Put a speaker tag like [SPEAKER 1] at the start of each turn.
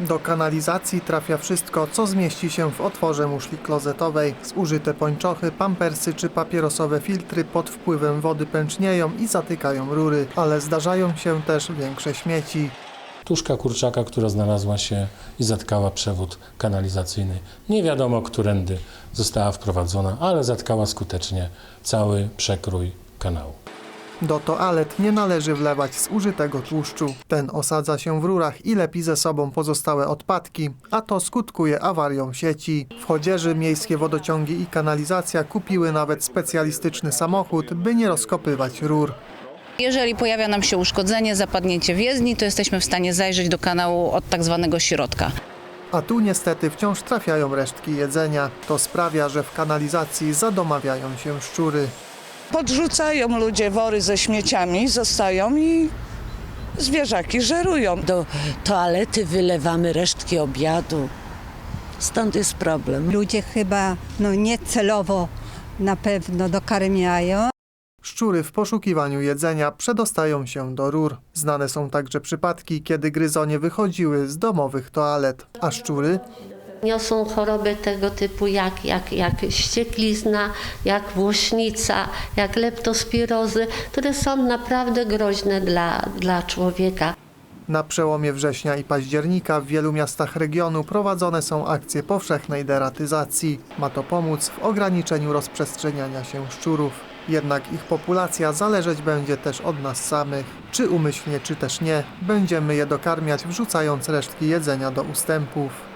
[SPEAKER 1] Do kanalizacji trafia wszystko, co zmieści się w otworze muszli klozetowej. Zużyte pończochy, pampersy czy papierosowe filtry pod wpływem wody pęcznieją i zatykają rury, ale zdarzają się też większe śmieci.
[SPEAKER 2] Tuszka kurczaka, która znalazła się i zatkała przewód kanalizacyjny. Nie wiadomo, którędy została wprowadzona, ale zatkała skutecznie cały przekrój kanału.
[SPEAKER 1] Do toalet nie należy wlewać zużytego tłuszczu. Ten osadza się w rurach i lepi ze sobą pozostałe odpadki, a to skutkuje awarią sieci. W Chodzieży miejskie wodociągi i kanalizacja kupiły nawet specjalistyczny samochód, by nie rozkopywać rur.
[SPEAKER 3] Jeżeli pojawia nam się uszkodzenie, zapadnięcie w jezdni, to jesteśmy w stanie zajrzeć do kanału od tak zwanego środka.
[SPEAKER 1] A tu niestety wciąż trafiają resztki jedzenia. To sprawia, że w kanalizacji zadomawiają się szczury.
[SPEAKER 4] Podrzucają ludzie wory ze śmieciami, zostają i zwierzaki żerują.
[SPEAKER 5] Do toalety wylewamy resztki obiadu. Stąd jest problem.
[SPEAKER 6] Ludzie chyba niecelowo na pewno dokarmiają.
[SPEAKER 1] Szczury w poszukiwaniu jedzenia przedostają się do rur. Znane są także przypadki, kiedy gryzonie wychodziły z domowych toalet, a szczury
[SPEAKER 7] niosą choroby tego typu jak ścieklizna, jak włośnica, jak leptospirozy, które są naprawdę groźne dla człowieka.
[SPEAKER 1] Na przełomie września i października w wielu miastach regionu prowadzone są akcje powszechnej deratyzacji. Ma to pomóc w ograniczeniu rozprzestrzeniania się szczurów. Jednak ich populacja zależeć będzie też od nas samych. Czy umyślnie, czy też nie, będziemy je dokarmiać, wrzucając resztki jedzenia do ustępów.